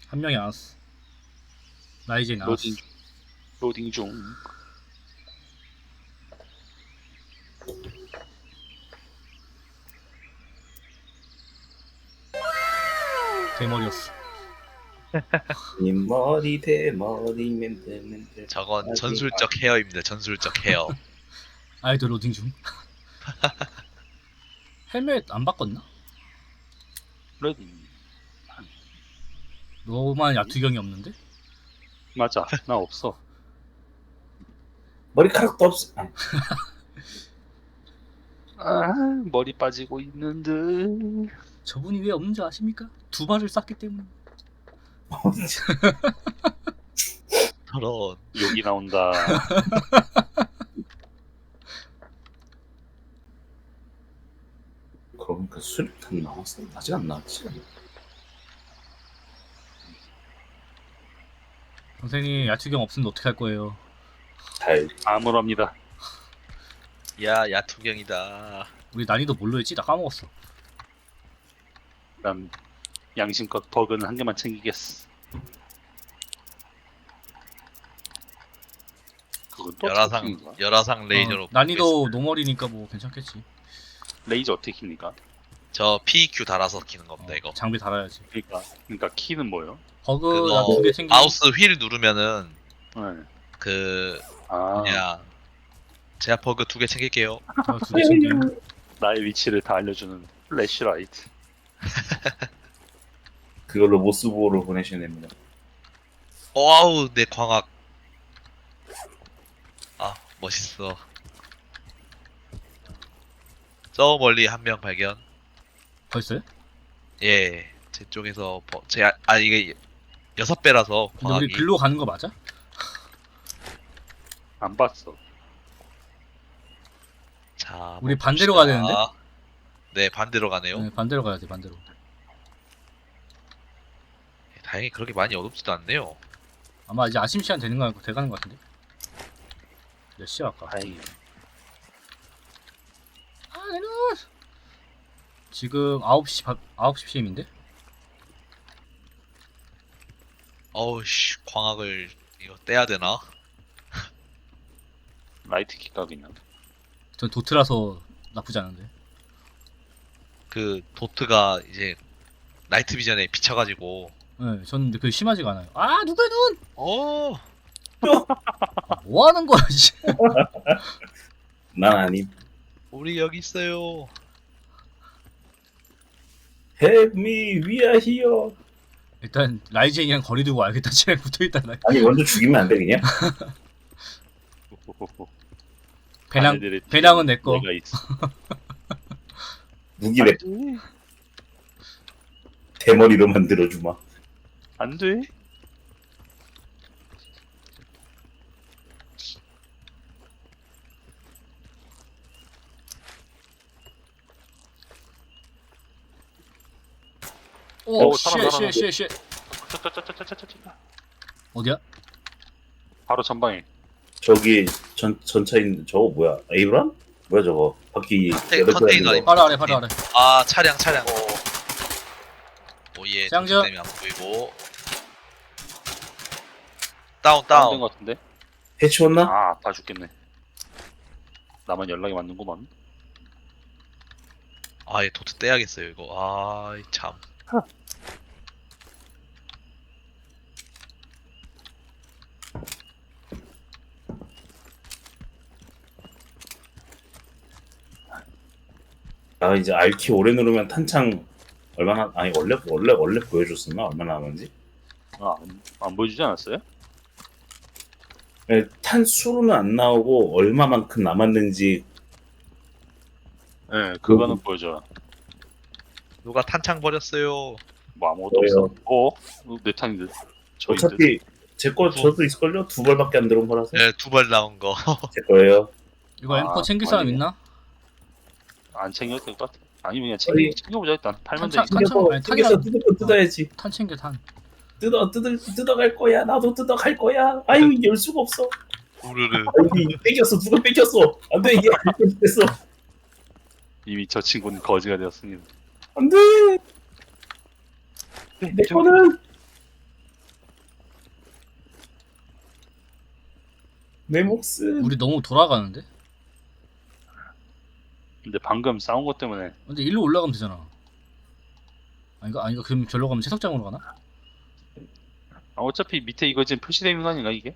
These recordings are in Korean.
한 명이 안 왔어. 라이젠 안 왔어. 로딩 중. 대머리였어. 머리 대머리 맨들 저건 전술적 헤어입니다. 전술적 헤어. 아이돌 로딩 중. 헬멧 안 바꿨나? 로딩. 너만 야투경이 없는데? 맞아. 나 없어. 머리카락도 없어. 아, 머리 빠지고 있는데. 저분이 왜 없는 줄 아십니까? 두 발을 쐈기 때문에. 저런. 욕이 나온다. 그러니까 수류탄 나왔어. 아직 안 나왔지. 선생님 야투경 없으면 어떻게 할 거예요? 잘 암울합니다. 야, 야투경이다. 우리 난이도 뭘로 했지? 나 까먹었어. 난 양심껏 버그는 한 개만 챙기겠어. 그건 또 어떻게 열화상 레이저로. 난이도 노멀이니까 뭐 괜찮겠지. 레이저 어떻게 킵니까? 저 PQ 달아서 키는 겁니다, 이거. 장비 달아야지. 그러니까 키는 뭐예요? 버그 그거 두개 챙기. 마우스 휠 누르면은 네. 그 아, 뭐냐, 제가 버그 2개 챙길게요. 두개 챙기. 나의 위치를 다 알려주는 플래시라이트. 그걸로 모스보로 보내시면 됩니다. 와우, 내 광학. 아, 멋있어. 저 멀리 한 명 발견. 벌써요? 예, 제 쪽에서 이게 6배라서 근데 우리 광학이. 글로 가는 거 맞아? 안 봤어. 자, 우리 뭐 반대로 봅시다. 가야 되는데? 네, 반대로 가네요. 네, 반대로 가야 돼. 반대로. 다행히 그렇게 많이 어둡지도 않네요. 아마 이제 아침 시간 되는 거 돼가는 거 같은데. 몇 시야 아까? 다행이네. 아, 내 눈! 지금 9시 PM인데? 어우씨, 광학을 이거 떼야 되나? 라이트 킥각이냐? 전 도트라서 나쁘지 않은데. 그 도트가 이제 나이트 비전에 비쳐가지고. 네, 전 그 심하지가 않아요. 아, 누구야 눈! 어, 아, 뭐 하는 거야, 씨. 난 아님. 우리 여기 있어요. Help me, we are here. 일단 라이젠이랑 거리 두고 알겠다. 쟤랑 붙어있다. 나. 아니 먼저 죽이면 안 돼 그냥? 배낭은 내 거. 내가 있어. 무기래. 대머리로 만들어주마. 안 돼. 오, 사람. 쉣. 짜짜짜짜짜짜짜. 어디야? 바로 전방에. 저기 전차인 저거 뭐야? 에이브람? 뭐야 저거? 바퀴 여덟 개 컨테이너 달린 거. 바로 아래. 아, 차량. 오예, 짱죠. 도트 때문에 안 보이고. 다운 다운. 것 같은데? 해치웠나? 아, 아파 죽겠네. 나만 연락이 맞는구만. 아, 얘 도트 떼야겠어요 이거. 아, 참. 아 이제 R키 오래 누르면 탄창 얼마나 아니 원래 보여줬었나 얼마나 남았는지? 아, 안 보여주지 않았어요? 네, 탄 수로는 안 나오고 얼마만큼 남았는지. 네, 그거는 보여줘. 누가 탄창 버렸어요. 뭐 아무것도 뭐예요? 없어. 내 탄인데. 저인데. 어차피 제 거 저도 있을걸요? 2발밖에 안 들어온 거라서. 네, 2발 나온 거. 제 거예요. 이거 아, M4 챙길 사람 아니네. 있나? 안 챙겨도 될 것 같아. 아니면 그냥 아니, 챙겨보자 일단. 팔면 탄창, 되니까. 탄창. 아니, 탄이야. 뜯어야지. 탄 챙겨 탄. 뜯어갈 거야. 나도 뜯어갈 거야. 아유 열 수가 없어. 우르르. 아유 뺏겼어. 누가 뺏겼어. 안돼 이게 안 됐어. 이미 저 친구는 거지가 되었습니다. 안돼. 내 거는 내 목숨. 우리 너무 돌아가는데? 근데 방금 싸운 것 때문에 근데 일로 올라가면 되잖아. 아닌가? 그럼 절로 가면 채석장으로 가나? 어차피 밑에 이거 지금 표시되어 있는 거 아닌가 이게?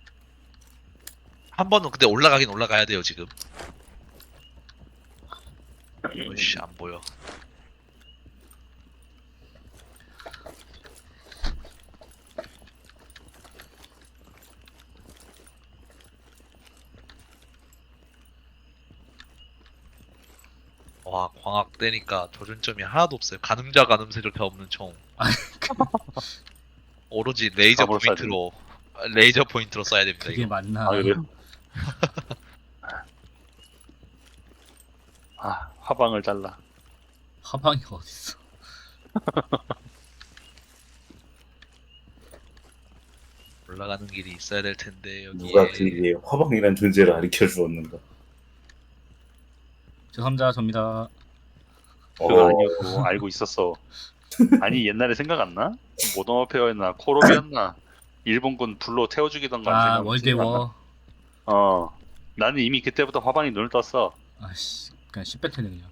한 번은 근데 올라가긴 올라가야 돼요 지금. 어이씨 안 보여. 와 광학 떼니까 조준점이 하나도 없어요. 가늠자 가늠세조차 없는 총. 오로지 레이저 잡으러 쏴야 포인트로 레이저 포인트로 쏴야 됩니다. 그게 이거. 맞나? 아 그래요? 아 화방을 잘라. 화방이 어딨어? 올라가는 길이 있어야 될 텐데 여기에. 누가 그에게 화방이란 존재를 가르쳐 주었는가? 죄송합니다. 접니다. 그거 아니었고 알고 있었어. 아니 옛날에 생각 안 나? 모던 워페어였나 코롭이었나 일본군 불로 태워주기던가 아 생각- 월드워. 어 나는 이미 그때부터 화방이 눈을 떴어. 아씨 그냥 10변태네 그냥.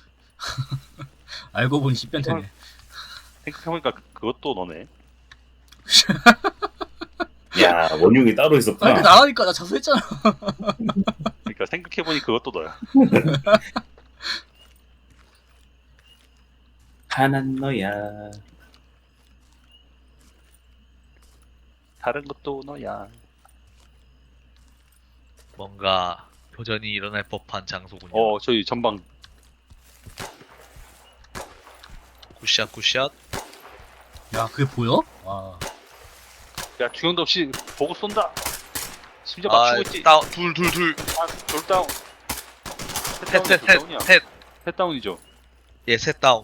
알고 보니 10변태네. 생각해보니까 그것도 너네. 야, 원흉이 따로 아 있었구나. 근데 나가니까 나 자수했잖아. 그러니까 생각해보니 그것도 너야. 하난 너야. 다른 것도 너야. 뭔가 교전이 일어날 법한 장소군요. 저희 전방 굿샷 굿샷. 야 그게 보여? 와. 야 주경도 없이 보고 쏜다. 심지어 맞추고 있지. 다운 둘. 돌 다운. 셋 셋. 다운이죠. 예, 셋 다운.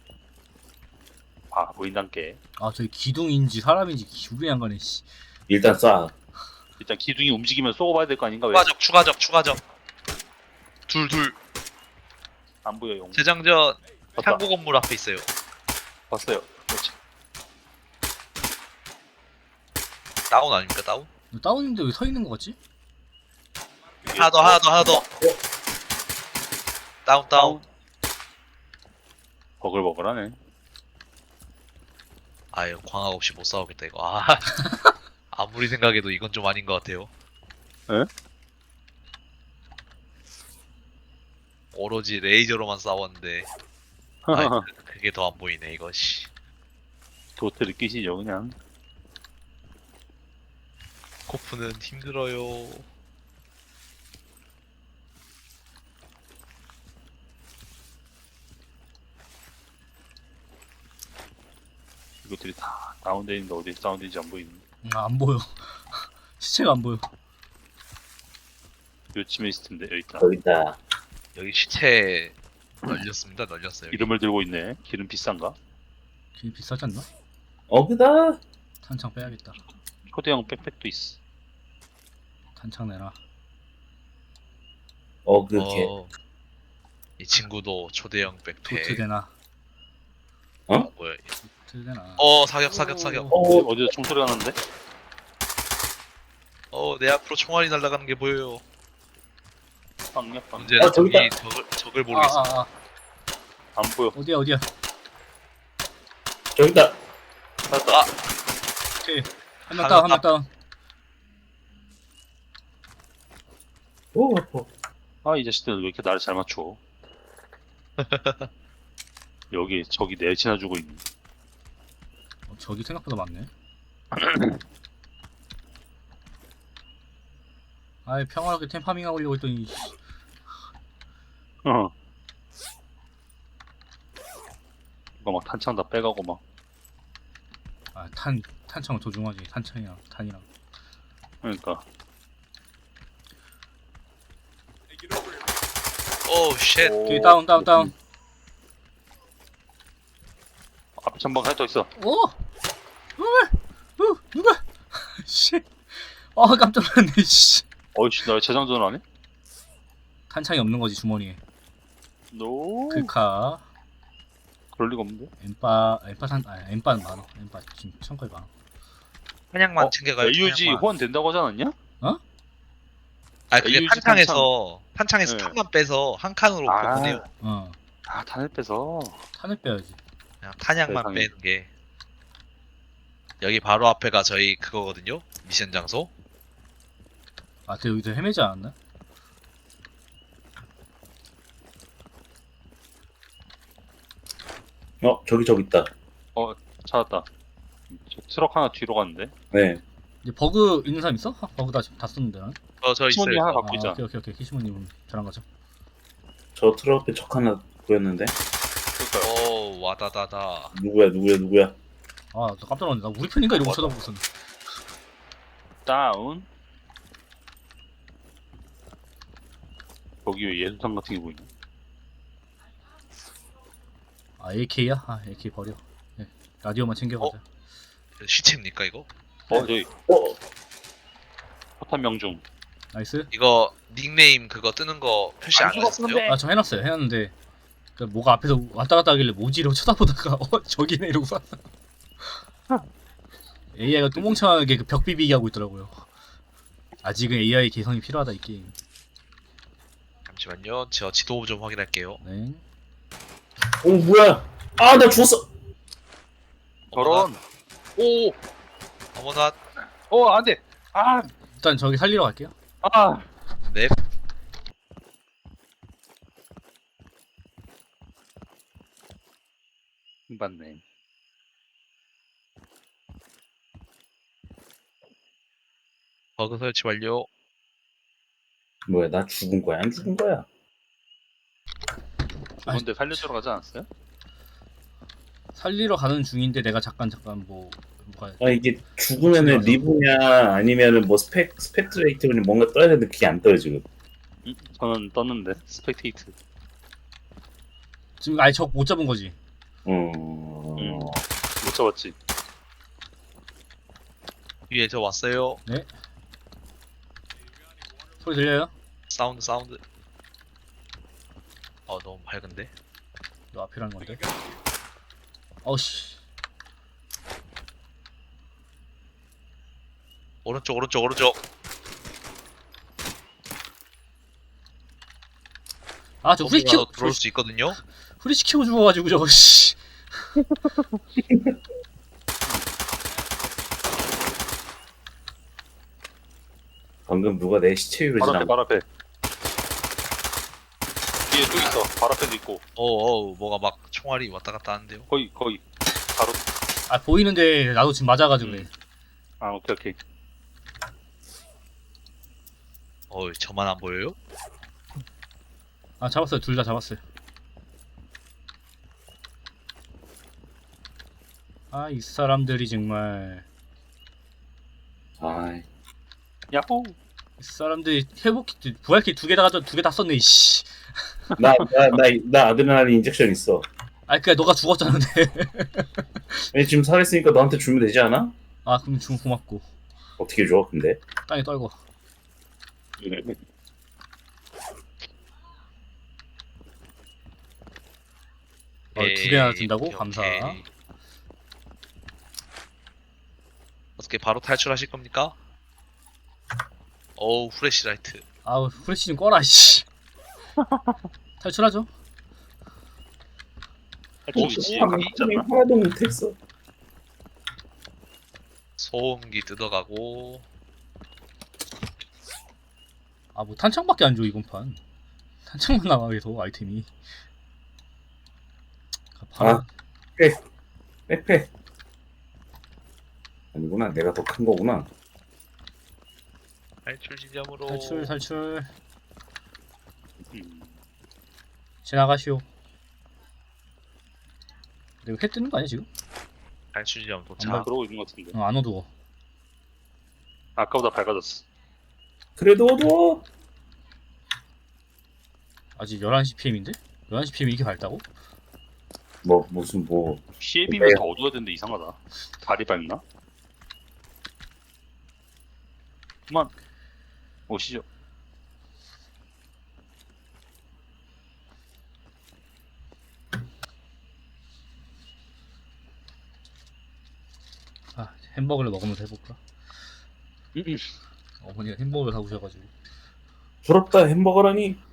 아 보인단께. 아 저기 기둥인지 사람인지 기분이 안 가네. 씨. 일단 쏴. 일단 기둥이 움직이면 쏘고 봐야 될 거 아닌가 왜? 추가적. 둘. 안 보여 용. 재장전 봤다. 창고 건물 앞에 있어요. 봤어요. 그렇지. 다운 아닙니까 다운? 너 다운인데 왜 서 있는 거 같지? 하나 더. 다운. 버글버글하네. 아유 광학 없이 못 싸우겠다 이거. 아 아무리 생각해도 이건 좀 아닌 것 같아요. 에? 오로지 레이저로만 싸웠는데 아, 그게 더 안 보이네 이거. 씨. 도트 느끼시죠 그냥. 코프는 힘들어요. 이것들이 다 다운돼 있는데 어디 다운된지 안 보이는. 안 보여. 시체가 안 보여. 요쯤에 있을 텐데 여기 있다. 여기 있다. 여기 시체 널렸어요. 이름을 들고 있네. 기름 비싼가? 되게 비싸지 않나? 어그다. 탄창 빼야겠다. 초대형 백팩도 있어. 탄창 내라. 어그게. 이 친구도 초대형 도트 백팩. 되나? 뭐야? 도트 되나? 사격. 어디서 총소리가 나는데? 내 앞으로 총알이 날아가는 게 보여요. 빵야 빵. 문제는 저기 있다. 적을 모르겠어. 안 보여. 어디야? 저기 있다. 찾았다. 오케이. 한 명 다운. 오, 아파. 이 자식들 왜 이렇게 나를 잘 맞춰? 여기 저기 내치나 주고 있네. 저기 생각보다 많네. 아이 평화롭게 템파밍 하려고 했더니 어. 이거 막 탄창 다 빼가고 막. 탄창은 조중하지. 탄이랑. 그러니까. 오 쉣. 오케이 다운. 앞에 전방 하나 더 있어. 오! 누가? 씨. 깜짝 놀랐네. 씨. 어이씨 나 재장전 안 해? 탄창이 없는 거지 주머니에. 노. 글카. 그럴 리가 없는데. 엠빠는 많아. 엠빠 지금 창고에 많아. 한약만 챙겨가요. AUG 한약만. 호환 된다고 하지 않았냐? 어? 아 그게 AUG 탄창에서 네. 탄만 빼서 한 칸으로 보내요. 어 탄을 빼서. 탄을 빼야지. 그냥 탄약만 세상에. 빼는 게. 여기 바로 앞에가 저희 그거거든요. 미션 장소. 아 근데 여기서 헤매지 않았나? 저기 있다. 찾았다. 저 트럭 하나 뒤로 갔는데. 네. 이제 버그 있는 사람 있어? 버그 다 썼는데 난. 저 시몬이 있어요. 하나 저. 갖고 있잖아. 오케이 키시모님 잘한 거죠. 저 트럭 앞에 적 하나 보였는데. 그러니까요. 오 와다다다. 누구야? 아나 깜짝 놀랐네. 나 우리 편인가 이러고 맞아. 쳐다보고 있었네. 다운. 거기 왜 예수상 같은 게 보이냐? 아 AK야? 아 AK 버려. 네. 라디오만 챙겨가자. 시체입니까 이거? 저기 어, 포탄 명중. 나이스. 이거 닉네임 그거 뜨는 거 표시 안 하셨어요? 아 저 해놨어요. 해놨는데 그 뭐가 앞에서 왔다 갔다 하길래 뭐지 이러고 쳐다보다가 저기네 이러고 쐈어. AI가 똥멍청하게 그 벽 비비기 하고 있더라고요. 아직은 AI 개성이 필요하다 이 게임. 잠시만요. 저 지도 좀 확인할게요. 네. 뭐야? 나 죽었어. 저런. 오. 어머나. 안돼. 일단 저기 살리러 갈게요. 네. 맞네. 버그 설치 완료. 뭐야? 나 죽은 거야? 안 죽은 거야? 죽은데 살려주러 가지 않았어요? 살리러 가는 중인데 내가 잠깐 뭐가 이게 죽으면은 리브냐 아니면은 뭐 스펙트레이트니 뭔가 떠야 되는데 그게 안 떠요 지금. 저는 떴는데 스펙테이트. 지금 아예 적 못 잡은 거지. 못 잡았지. 위에 저 왔어요. 소리 들려요? 사운드. 너무 밝은데. 너 앞이라는 건데. 어씨. 오른쪽. 아 저 후리시키고 들어올 수 있거든요. 후리시키고 죽어가지고 저거 씨. 방금 누가 내 시체 위로 바로 지나? 앞에 바로 앞에. 뒤에 또 있어. 바로 앞에도 있고. 뭐가 막 총알이 왔다 갔다 하는데요. 거의 바로. 아 보이는데 나도 지금 맞아가지고 그래. 오케이. 저만 안 보여요? 아 잡았어요. 둘 다 잡았어요. 아 이 사람들이 정말 아, 야호. 이 사람들이 회복키트 부활키트 두 개 다 썼네 이씨. 나 아드레날린 인젝션 있어. 아 그니까 너가 죽었잖아 근데. 왜 지금 살아있으니까 너한테 주면 되지 않아? 아 그럼 좀 고맙고. 어떻게 줘? 근데 땅에 떨고. 두 개나 든다고? 오케이. 감사. 어떻게 바로 탈출하실 겁니까? 후레시라이트. 아우 후레쉬 좀 꺼라 씨. 탈출하죠. 할수 있지. 소음기. 있잖아. 하나도 못했어. 소음기 뜯어가고. 아 뭐 탄창밖에 안 줘 이번 판. 탄창만 나와 계속 아이템이. 백팩. 아니구나. 내가 더 큰 거구나. 탈출 지점으로. 탈출. 음. 지나가시오. 내가 회 뜨는 거 아니야 지금? 탈출 지점 도착. 그러고 있는 것 같은데. 안 어두워. 아까보다 밝아졌어. 그래도 어두워. 아직 11시 PM인데? 11시 PM이 이렇게 밝다고? 무슨 뭐 시에 비면 더 어두워야 되는데 이상하다. 달이 밝나? 그만 오시죠. 아 햄버거를 먹으면서 해볼까? 어머니가 햄버거를 사오셔가지고 부럽다 햄버거라니.